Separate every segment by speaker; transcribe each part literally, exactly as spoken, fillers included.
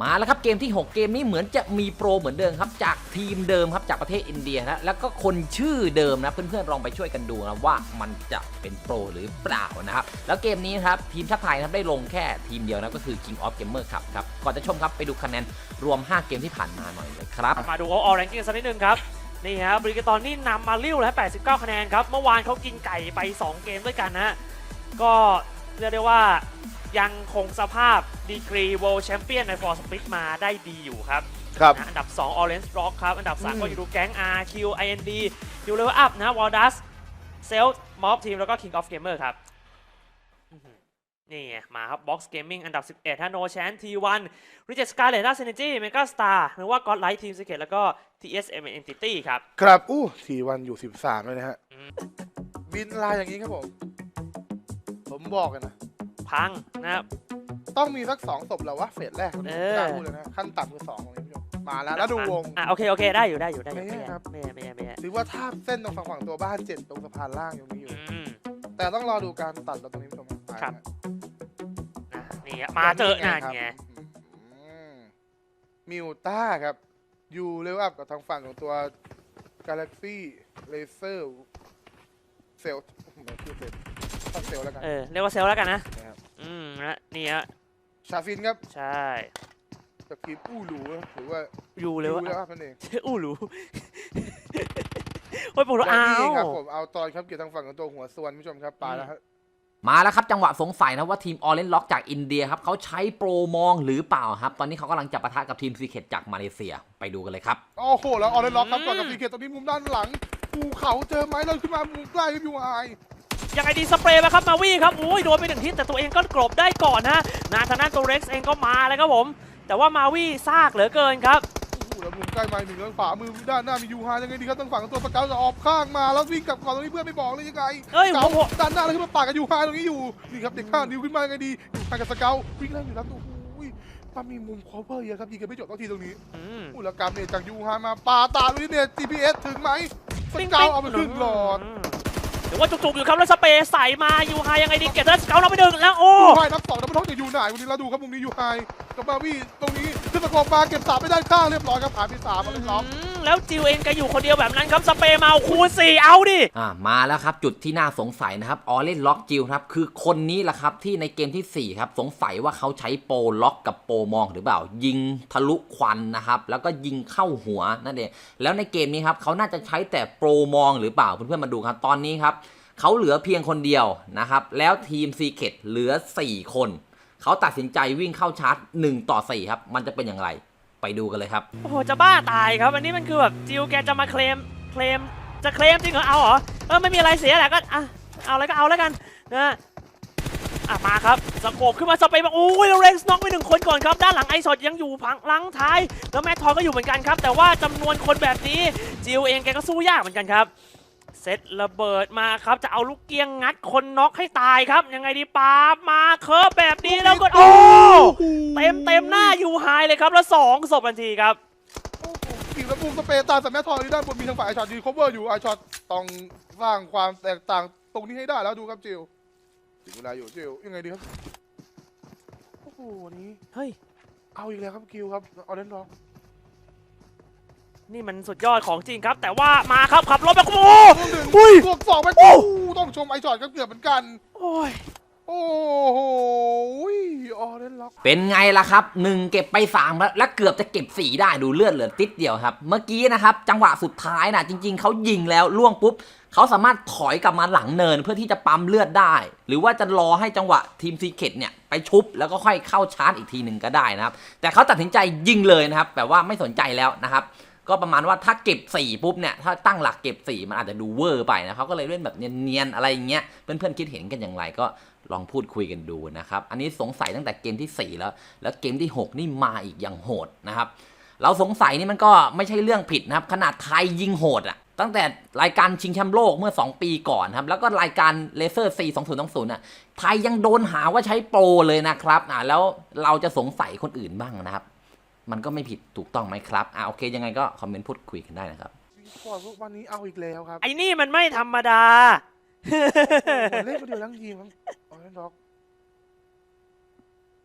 Speaker 1: มาแล้วครับเกมที่หกเกมนี้เหมือนจะมีโปรเหมือนเดิมครับจากทีมเดิมครับจากประเทศอินเดียนะแล้วก็คนชื่อเดิมนะเพื่อนๆลองไปช่วยกันดูนะว่ามันจะเป็นโปรหรือเปล่านะครับแล้วเกมนี้ครับทีมชาติไทยนะครับได้ลงแค่ทีมเดียวนะก็คือ King of Gamer ครับครับก่อนจะชมครับไปดูคะแนนรวมห้าเกมที่ผ่านมาหน่อยเลยครับ
Speaker 2: มาดู All Ranking สักนิดนึงครับนี่ฮะบริกตอนนี่นำมาเลี้ยวแล้วแปดสิบเก้าคะแนนครับเมื่อวานเขากินไก่ไปสองเกมด้วยกันนะก็เรียกได้ว่ายังคงสภาพดีกรี World Champion ใน For Speed มาได้ดีอยู่ครับ
Speaker 3: ครับ
Speaker 2: อันดับสอง Orange Rock ครับอันดับสามก็อยู่ดูแก๊ง อาร์ คิว ไอ เอ็น ดี อยู่ Level Up นะ Waldas Self Mob Team แล้วก็ King of Gamer ครับนี่มาครับ Box Gaming อันดับสิบเอ็ดฮะ No Chance ที วัน Reject Scarlet Synergy Mega Star หรือว่า Godlight Team Secret แล้วก็ ที เอส เอ็ม Entity ครับ
Speaker 3: ครับอู้สี่วันอยู่สิบสามเลยนะฮะบินลายอย่างนี้ครับผมผมบอกกันนะ
Speaker 2: พังนะครับ
Speaker 3: ต้องมีสักสองศพแล้ววะเฟสแรกกล้าพูดเลยนะขั้นต่ำคือสองของนี้มาแล้วแล้วดูวง
Speaker 2: อ่ะโอเคโอเคได้อยู่ได้อยู่ได้อยู่
Speaker 3: ไม่ครับ
Speaker 2: ไม่ไม่ไม่
Speaker 3: หรือว่าท่าเส้นตรงฝั่งตัวบ้านเจ็ดตรงสะพานล่างยังมีอยู่แต่ต้องรอดูการตัดแล้วตรงนี้ผู้ชม
Speaker 2: ครับนี่มาเจอนั่นไง
Speaker 3: มิวต้าครับยูเลเวลอัพกับทางฝั่งของตัว Galaxy Laser เซลไม่คือเซลเซลแล้วกัน
Speaker 2: เออเรียกว่าเซลแล้วกันนะอืมนะนี่ฮะ
Speaker 3: ชาฟินครับ
Speaker 2: ใช่
Speaker 3: จากทีมอู้หรูหรือว่า
Speaker 2: ยูเลเวล
Speaker 3: อัพนั่นเอง
Speaker 2: อู้หรูโอ้ยผมรู้อ้าว
Speaker 3: ครับผมเอาตอนครับเกี่ยวทางฝั่งของตัวหัวส่วนผู้ชมครับปาแล้วครับ
Speaker 1: มาแล้วครับจังหวะสงสัยนะว่าทีม Orange Rock จากอินเดียครับเขาใช้โปรมองหรือเปล่าครับตอนนี้เขากำลังจับปะทะกับทีม Secret จากมาเลเซียไปดูกันเลยครับ
Speaker 3: โอ้โหแล้ว Orange Rock ครับก่อนกับ Secret ตรงนี้มุมด้านหลังภูเขาเจอไม้เลยขึ้นมามุมใกล้ครับยูไอ
Speaker 2: ยังไงดีสเปรย์มาครับมาวี่ครับโอ้ยโดนไปหนึ่งทิศแต่ตัวเองก็กลบได้ก่อนฮะนาธนาตัวเร็กซ์เองก็มาเลยครับผมแต่ว่ามาวี่ซากเหลือเกินครับ
Speaker 3: แล้วมุมใกล้ไม้หนึ่งแล้วขวามือด้านหน้ามียูฮายังไงดีครับตั้งฝั่งตัวสเกลจะออกข้างมาแล้ววิ่งกลับก่อนตรงนี้เพื่อนไม่บอกเลยยังไง
Speaker 2: เอ้ย
Speaker 3: ผมด้านหน้าแล้วขึ้นมาปากกับยูฮาตรงนี้อยู่นี่ครับเด็กข้างนิ้วขึ้นมายังไงดีทางกับสเกลวิ่งไล่อยู่แล้วตัวอุ้ยถ้ามีมุมคอเวอร์เยอะครับยิงกันไม่จบต้องทีตรงนี้อุลกรรมเนี่ยจากยูฮามาปาตาลุยเนี่ย จี พี เอส ถึงไหมสเกลเอาไปครึ่งหลอด
Speaker 2: หรือว่าจุกๆอยู่ครับแล้วสเปย์ใส่มายูไฮยังไงดีเก็บแล้วสเกลเราไปดึงแล้วโอ้
Speaker 3: ยูไฮนับสองนับท้องจากยูไหนวันนี้เราดูครับมุมนี้ยูไฮกับมาวี่ตรงนี้ขึ้นตะกอบมาเก็บสามไปด้านข้างเรียบร้อยครับผ่านไปสามมาเลยครับ
Speaker 2: แล้วจิวเองก็อยู่คนเดียวแบบนั้นครับสเปย์มาคูณสี่เอาดิ
Speaker 1: อ่ามาแล้วครับจุดที่น่าสงสัยนะครับออเรนล็อกจิวครับคือคนนี้แหละครับที่ในเกมที่สี่ครับสงสัยว่าเขาใช้โปรล็อกกับโปรมองหรือเปล่ายิงทะลุควันนะครับแล้วก็ยิงเข้าหัวนั่นเองแล้วในเกมนี้ครับเขาน่าจะใช้แต่โปรมองหรือเปล่าเพื่อนๆมาดูครับตอนนี้ครับเขาเหลือเพียงคนเดียวนะครับแล้วทีม Secret เหลือสี่คนเขาตัดสินใจวิ่งเข้าชาร์จหนึ่งต่อสี่ครับมันจะเป็นอย่างไรไปดูกันเลยครับ
Speaker 2: โอ้โหจะบ้าตายครับอันนี้มันคือแบบจิวแกจะมาเคลมเคลมจะเคลมจริงเหรอเอาเหรอเออไม่มีอะไรเสียแหละก็อ่ะเอาอะไรก็เอาแล้วกันนะอ่ะมาครับสโคบขึ้นมาสเปย์มาโอ้ยเรนส์น็อกไปหนึ่งคนก่อนครับด้านหลังไอซอดยังอยู่พังหลังท้ายแล้วแมททอยก็อยู่เหมือนกันครับแต่ว่าจำนวนคนแบบนี้จิวเองแกก็สู้ยากเหมือนกันครับเซตระเบิดมาครับจะเอาลูกเกียงงัดคนน็อกให้ตายครับยังไงดีปามาเคิร์ฟแบบนี้แล้วก็โอ้เต็มเต็มหน้ายูไฮเลยครับแล้วสองศพทันทีครับ
Speaker 3: อีกแล้วมุมสเปรย์ตาสแมททอยด้านบนมีทางฝ่ายไอช็อตยืน cover อยู่ไอช็อตต้องสร้างความแตกต่างตรงนี้ให้ได้แล้วดูครับจิวถึงเวลาอยู่จิวยังไงดีครับโอ้โหนี้
Speaker 2: เฮ้ย
Speaker 3: เอาอีกแล้วครับคิวครับออเรนจ์ร็อก
Speaker 2: นี่มันสุดยอดของจริงครับแต่ว่ามาครับขับรถแบบโอ้
Speaker 3: อุ้ยบวกสองไปโอ้ต้องชมไอช็อตก็เกือบเหมือนกัน
Speaker 2: โอ้ย
Speaker 3: โอ้โหออเรนจ์ร็อก
Speaker 1: เป็นไงล่ะครับหนึ่งเก็บไปสามแล้วและเกือบจะเก็บสี่ได้ดูเลือดเหลือติดเดียวครับเมื่อกี้นะครับจังหวะสุดท้ายนะจริงๆเขายิงแล้วล่วงปุ๊บเขาสามารถถอยกลับมาหลังเนินเพื่อที่จะปั๊มเลือดได้หรือว่าจะรอให้จังหวะทีมซีเคทเนี่ยไปชุบแล้วก็ค่อยเข้าชาร์จอีกทีหนึ่งก็ได้นะครับแต่เขาตัดสินใจยิงเลยนะครับแบบว่าไม่สนใจแล้วนะครับก็ประมาณว่าถ้าเก็บสี่ปุ๊บเนี่ยถ้าตั้งหลักเก็บสี่มันอาจจะดูเวอร์ไปนะเขาก็เลยเล่นแบบเนียนๆอะไรอย่างเงี้ยเพื่อนๆคิดเห็นกันอย่างไรก็ลองพูดคุยกันดูนะครับอันนี้สงสัยตั้งแต่เกมที่สี่แล้วแล้วเกมที่หกนี่มาอีกอย่างโหดนะครับเราสงสัยนี่มันก็ไม่ใช่เรื่องผิดนะครับขนาดไทยยิงโหดอะตั้งแต่รายการชิงแชมป์โลกเมื่อสองปีก่อนครับแล้วก็รายการเลเซอร์ซีสองศูนย์สองศูนย์อ่ะไทยยังโดนหาว่าใช้โปรเลยนะครับอ่าแล้วเราจะสงสัยคนอื่นบ้างนะครับมันก็ไม่ผิดถูกต้องไหมครับอ่าโอเคยังไงก็คอมเมนต์พูดคุยกันได้นะครับ
Speaker 3: วันนี้เอาอีกแล้วครับ
Speaker 2: ไอ้นี่มันไม่ธรรมดา
Speaker 3: เล่นมาเดียวทั้งทีมครับออเรนจ์ร็อก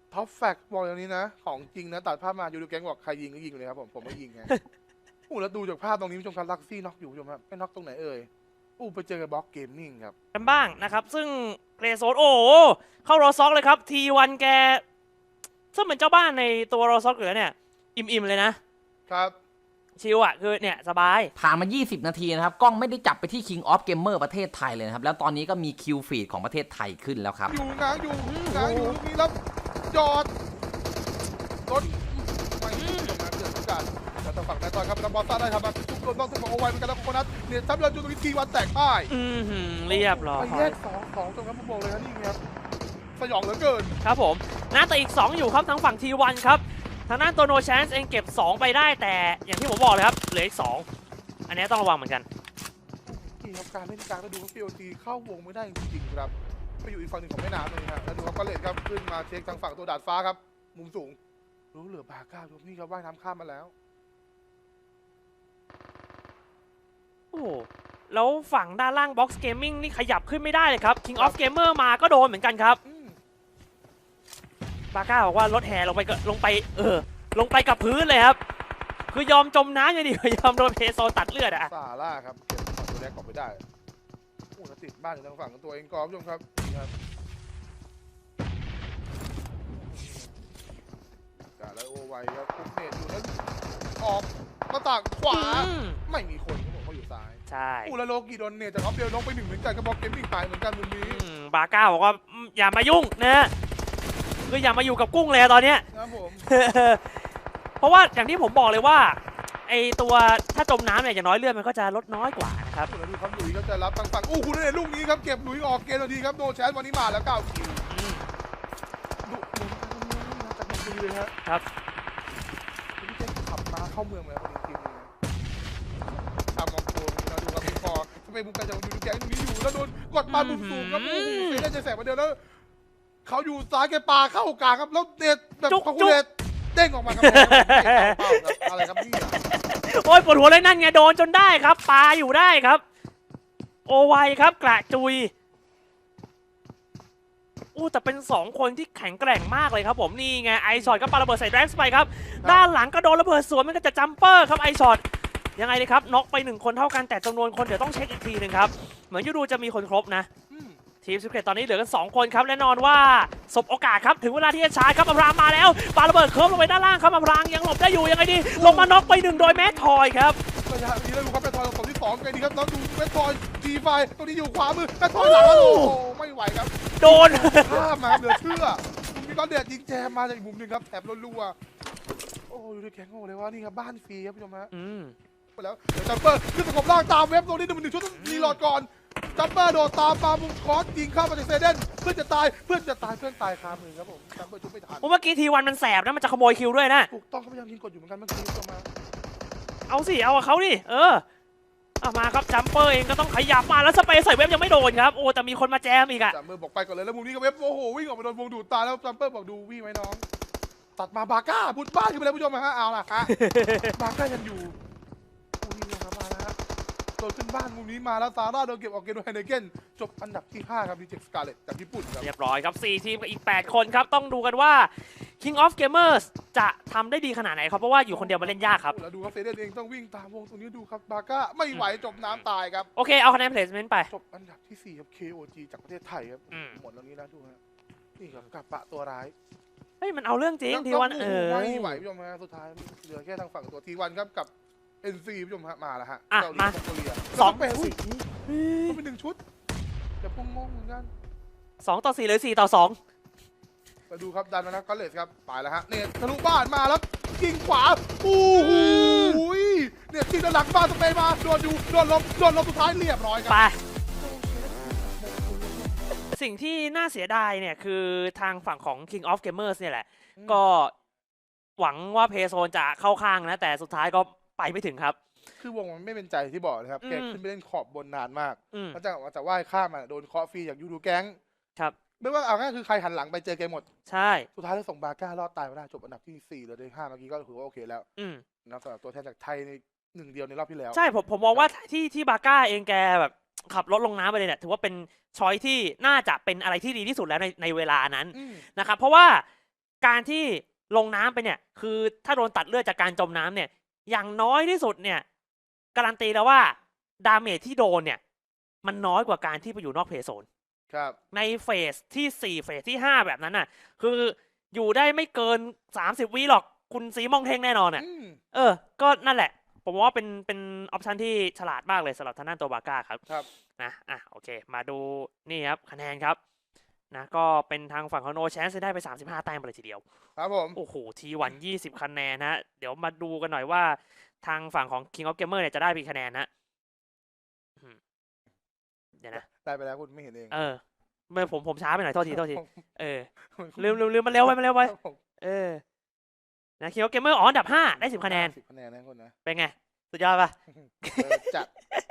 Speaker 3: ท็อปแฟกบอกอย่างนี้นะ ของจริงนะตัดภาพมายูดูแก๊งบอกใครยิงก็ยิงเลยครับผมผมไม่ยิงไง อู้แล้วดูจากภาพตรงนี้ผู้ชมครับลักซี่น็อกอยู่ผู้ชมครับไม่น็อกตรงไหนเอ่ยอู้ไปเจอกับบล็อกเกมมิ่งครับ
Speaker 2: กันบ้างนะครับ ซึ่งเกรโซนโอ้โหเข้ารอซ็อกเลยครับ ที วัน แกซึ่งเป็นเจ้าบ้านในตัวรอซ็อกเหลือเนี่ย อิ่มๆเลยนะ
Speaker 3: ครับ
Speaker 2: ชิลอ่ะ คือเนี่ย สบาย
Speaker 1: ผ่านมา ยี่สิบ นาทีนะครับ กล้องไม่ได้จับไปที่ King of Gamer ประเทศไทยเลยนะครับ แล้วตอนนี้ก็มีคิวฟีดของประเทศไทยขึ้นแล้วครับ
Speaker 3: อยู่ง้างอยู่ง้างอยู่ลูกนี้แล้วจอดรถไม่ถูกมาเกิดโอกาสแต่ทางฝั่งนายตอนครับนำบอลต้าได้ครับมาทุกโดนต้องทุกของเอาไว้เหมือนกันแล้วโคนัทเนี่ยทับเรือจูตรงนี้ทีวันแตกพ่าย
Speaker 2: อือหือเรียบร้อย
Speaker 3: ไปแยกสองสองตรงนั้นผมบอกเลยนะนี่ครับสยองเหลือเกิน
Speaker 2: ครับผมน่าแต่อีก สอง อยู่ครับทางฝั่ง ที วัน ครับ ทางด้านตัว No Chance เองเก็บ สอง ไปได้แต่อย่างที่ผมบอกเลยครับ เหลืออีก สอง อันนี้ต้องระวังเหมือนกัน
Speaker 3: นี่ครับการเล่นกลางแล้วดูว่าพีโอทีเข้าวงไม่ได้จริงๆครับไปอยู่อีกฝั่งหนึ่งของแม่น้ำเลยนะแล้วดูครับก็เลนครับขึ้นมาเช็คทางฝั่งตัวดาดฟ้าครับมุมสูงรู้เหลือบาก้าดูนี่ครับว่ายน้ำข้ามมาแล้ว
Speaker 2: โอ้โหแล้วฝั่งด้านล่าง Box Gaming นี่ขยับขึ้นไม่ได้เลยครับ King of Gamer มาก็โดนเหมือนกันครับ
Speaker 3: อืม
Speaker 2: บาก้าบอกว่ารถแห่ลงไปก็ลงไปเออลงไปกับพื้นเลยครับ คือยอมจมน้ำอย่างดีกว่ายอมโดนเพโซตัดเลือดอะ
Speaker 3: ซาร่าครับเก็บฝั่งตัวแรกออกไปได้โอ้แล้วติดบ้านอยู่ทางฝั่งของตัวเองกอล์ฟผู้ชมครับนี่ครับกาแล้วโอไวครับคุกเนตอยู่แล้วออกหน้าต่างขวา
Speaker 2: อืม
Speaker 3: ไม่มีคนเขาบอกเขาอยู่ซ้าย
Speaker 2: ใช่
Speaker 3: อู้แล้วโลกีโดนเนตจากออฟเดลลงไปหนึ่งเหมือนกันกระบอกเกมมิ่งหายเหมือนกันมุมนี้
Speaker 2: อืมบาก้าบอกว่าอืมอย่ามายุ่งนะฮะคืออย่ามาอยู่กับกุ้งเลยตอนเนี้ย
Speaker 3: นะครับผม
Speaker 2: เพราะว่าอย่างที่ผมบอกเลยว่าไอตัวถ้าจมน้ำเนี่ยอย่างน้อยเลือดมันก็จะลดน้อยกว่านะครับ
Speaker 3: อู้แล้วดูครับหลุยส์ก็จะรับทางฝั่งอู้คุณเนตลูกนี้ครับเก็บหลุยส์ออกเกมทันทีครับโนแชนวันนี้มาแล้วเก้าคิว
Speaker 2: อืม
Speaker 3: ดุดุจากมันดีเลยฮะ
Speaker 2: ครับ
Speaker 3: พี่เจ๊ขับมาเข้าเมืองเลยครับจริงๆเลยตามมองโกนนะดูครับพี่ปอทำไมมุมการจะดูแกงตรงนี้อยู่แล้วโดนกดมามุมสูงครับโอ้โหเฟรนจะแสบมาเดียวแล้วเขาอยู่ซ้ายแกปาเข้ากลางครับแล้วเด็ดแบบคอคูเลตเด้งออกมาครับเป้าครับอะไรครับพี่
Speaker 2: โอ้ยปวดหัวเลยนั่นไงโดนจนได้ครับปาอยู่ได้ครับ โอไวครับกระจุยอู้แต่เป็นสองคนที่แข็งแกร่งมากเลยครับผมนี่ไงไอช็อตก็ปาระเบิดใส่แร็กซ์ไปครับด้านหลังก็โดนระเบิดสวนมันก็จะจัมเปอร์ครับไอช็อตยังไงดีครับน็อกไปหนึ่งคนเท่ากันแต่จำนวนคนเดี๋ยวต้องเช็คอีกทีหนึ่งครับเหมือนยูดูจะมีคนครบนะทีมสเกตตอนนี้เหลือกันสองคนครับแน่นอนว่าสบโอกาสครับถึงเวลาที่จะชาร์จครับอภรางมาแล้วปาระเบิดเคิร์ฟลงไปด้านล่างครับอภรางยังหลบได้อยู่ยังไงดีลงมาน็อกไปหนึ่งโดยแมททอยครับ
Speaker 3: ระยะนี้แล้วดูครับแมททอยตอนที่สองไงดีครับแล้วดูแมททอยจีไฟตรงนี้อยู่ขวามือแมททอยหลังแล้วโอ้โหไม่ไหวครับ
Speaker 2: โดน
Speaker 3: ข้ามมาเหลือเชื่อมีก้อนเดือดยิงแจมมาจากอีกมุมหนึ่งครับแถบรัวๆโอ้ยดูดิแข็งโง่เลยว่านี่ครับบ้านฟรีครับผู้ชมฮะ
Speaker 2: อืม
Speaker 3: ไปแล้วเดี๋ยวจัมเปอร์ขึ้นสกบล่างตามเว็บตรงนี้หนึ่งหนึ่งชุดรีโหลดก่อนจัมเปอร์โดดตามปามุมคอสยิงเข้ามาจากเซเดนเพื่อนจะตายเพื่อนจะตายเพื่อนตายคามือครับผมจัมเปอร์ชุดไม่ทัน
Speaker 2: เมื่อกี้ทีวันมันแสบนะมันจะขโมยคิวด้วยนะ
Speaker 3: ถูกต้องเขาพยายามยิงกดอยู่เหมือนกันเมื่อกี้ผู้ชมฮะ
Speaker 2: เอาสิ เอากับเขาดิ เออเอามาครับจัมเปอร์เองก็ต้องขยับมาแล้วสเปซใส่เว็บยังไม่โดนครับ โอ้แต่มีคนมาแจมอีกอะ
Speaker 3: จัมเปอร์บอกไปก่อนเลยแล้วมุมนี้ก็เว็บโอ้โหวิ่งออกมาโดนวงดูดตาแล้วจัมเปอร์บอกดูวี่ไหมน้องตัดมาบาก้าบุดบ้านขึ้นไปเลยผู้ชมฮะเอาล่ะฮะ บาก้ายังอยู่โอ้ยนี่ครับมาแล้วฮะโดนขึ้นบ้านมุมนี้มาแล้วซาร่าโดนเก็บออกเกมโดยไฮเนเกนจบอันดับที่ห้าครับดีเจสกาเลตจากญี่ปุ่นครับ
Speaker 2: เรียบร้อยครับสี่ทีมกับอีกแปดคนครับ ต้องดูกันว่า King of Gamers จะทำได้ดีขนาดไหนครับ เพราะว่าอยู่คนเดียวมาเล่นยากครับ
Speaker 3: แล้วดูครับเฟเดนเองต้องวิ่งตามวงตรงนี้ดูครับบาก้าไม่ไหวจบน้ำตายครับ
Speaker 2: โอเค เอาคะแนน placement ไป
Speaker 3: จบอันดับที่สี่ครับ เค โอ จี จากประเทศไทยครับ
Speaker 2: อืม
Speaker 3: หมดแล้วนี้นะดูฮะนี่ครับกับปะตัวร้าย
Speaker 2: เฮ้ย มันเอาเรื่องจริงทีวันเออ
Speaker 3: ไม่ไหวผู้ชมฮะสุดท้ายเหลือแค่ทางฝั่งตัวทีวันครับกับ เอ็น ซี ผู้ชมฮะมาแล้วฮะ
Speaker 2: อ่ะ
Speaker 3: เกาหลี
Speaker 2: มา
Speaker 3: มองโกเลีย
Speaker 2: สอง
Speaker 3: แปด
Speaker 2: อุ้
Speaker 3: สิ
Speaker 2: ย
Speaker 3: บก็เป็นหนึ่งชุดเดี๋ยวพงงงเหมือนกัน
Speaker 2: สองต่อสี่หรือสี่ต่อสอง
Speaker 3: มาดูครับดันมานะก็เลสครับไปแล้วฮะเนี่ยทะลุบ้านมาแล้วยิงขวาโอ้โหเนี่ยยิงด้านหลังบ้านสเปย์มาโดนอยู่โดนลบโดนลบสุดท้ายเรียบร้อยค
Speaker 2: ไป
Speaker 3: รับ
Speaker 2: สิ่งที่น่าเสียดายเนี่ยคือทางฝั่งของ King of Gamers เนี่ยแหละ ก็หวังว่าเพโซนจะเข้าข้างนะ แต่สุดท้ายก็ไปไม่ถึงครับ
Speaker 3: คือวงมันไม่เป็นใจที่บอกนะครับ
Speaker 2: อืม
Speaker 3: แกขึ้นไปเล่นขอบบนนานมาก
Speaker 2: อืม
Speaker 3: แล้วจะว่าจะว่ายข้ามมาโดนเคาะฟรีจากยูดูแก๊ง
Speaker 2: ครับ
Speaker 3: ไม่ว่าเอาง่ายคือใครหันหลังไปเจอแกหมด
Speaker 2: ใช่
Speaker 3: สุดท้ายแล้วส่งบาก้ารอดตายมาได้จบอันดับที่สี่เหลือได้ห้าเมื่อกี้ก็ถือว่าโอเคแล้ว
Speaker 2: อืม
Speaker 3: นะสำหรับตัวแทนจากไทยในหนึ่งเดียวในรอบที่แล้ว
Speaker 2: ใช่ผมผมมองว่าที่ที่บาก้าเองแกแบบขับรถลงน้ำไปเลยเนี่ยถือว่าเป็นช้อยที่น่าจะเป็นอะไรที่ดีที่สุดแล้วในในเวลานั้น
Speaker 3: อืม
Speaker 2: นะครับเพราะว่าการที่ลงน้ำไปเนี่ยคือถ้าโดนตัดเลือดจากการจมน้ำเนี่ยอย่างน้อยที่สุดเนี่ยการันตีแล้วว่าดาเมจที่โดนเนี่ยมันน้อยกว่าการที่ไปอยู่นอกเพย์โซน
Speaker 3: ครับ
Speaker 2: ในเฟสที่สี่เฟสที่ห้าแบบนั้นน่ะคืออยู่ได้ไม่เกินสามสิบวิหรอกคุณสีมองเทงแน่นอนอ่ะ
Speaker 3: อืม
Speaker 2: เออก็นั่นแหละผมว่าเป็นเป็นออปชันที่ฉลาดมากเลยสำหรับทางด้านตัวบาก้าครับ
Speaker 3: ครับ
Speaker 2: นะอ่ะโอเคมาดูนี่ครับคะแนนครับนะก็เป็นทางฝั่งของโนแชนส์ได้ไปสามสิบห้าแต้มไปเลยทีเดียว
Speaker 3: ครับผม
Speaker 2: โอ้โหทีวันยี่สิบคะแนนนะเดี๋ยวมาดูกันหน่อยว่าทางฝั่งของ King of Gamer เนี่ยจะได้กี่คะแนนนะอืมเดี๋ยวนะ
Speaker 3: ได้ไปแล้วคุณไม่เห็นเอง
Speaker 2: เออไม่ผมผมช้าไปหน่อยโทษทีโทษที
Speaker 3: ผม
Speaker 2: เออลืมลืมลืมมันเร็วไปมันเร็วไป
Speaker 3: ครับผม
Speaker 2: เออนะ King of Gamer อ๋ออันดับห้าได้สิบคะแนน
Speaker 3: สิบคะแนนนะคุณนะ
Speaker 2: เป็นไงสุดยอดปะ
Speaker 3: เออจัด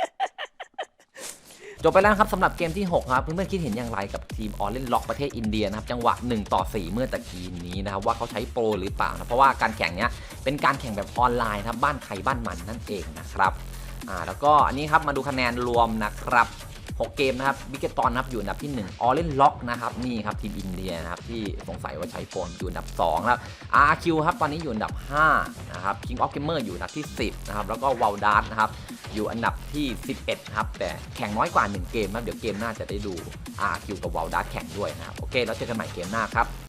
Speaker 1: จบไปแล้วนะครับสำหรับเกมที่หกครับเพื่อนๆคิดเห็นอย่างไรกับทีมออเล่นล็อกประเทศอินเดียนะครับจังหวะหนึ่งต่อสี่เมื่อตะกี้นี้นะครับว่าเขาใช้โปรหรือเปล่านะเพราะว่าการแข่งเนี้ยเป็นการแข่งแบบออนไลน์ครับบ้านใครบ้านมันนั่นเองนะครับอ่าแล้วก็อันนี้ครับมาดูคะแนนรวมนะครับหกเกมนะครับบิกเกตตอนนะครับอยู่อันดับที่หนึ่งออเล่นล็อกนะครับนี่ครับทีมอินเดียนะครับที่สงสัยว่าใช้โปรอยู่อันดับสองครับ อาร์ คิว ครับตอนนี้อยู่อันดับห้านะครับ King of Gamer อยู่อันดับที่สิบนะครับแล้วก็ Wildart นะครับอยู่อันดับที่สิบเอ็ดครับแต่แข่งน้อยกว่าหนึ่งเกมครับเดี๋ยวเกมหน้าจะได้ดู อาร์ คิว กับ Wildart แข่งด้วยนะครับโอเคแล้วเจอกันใหม่เกมหน้าครับ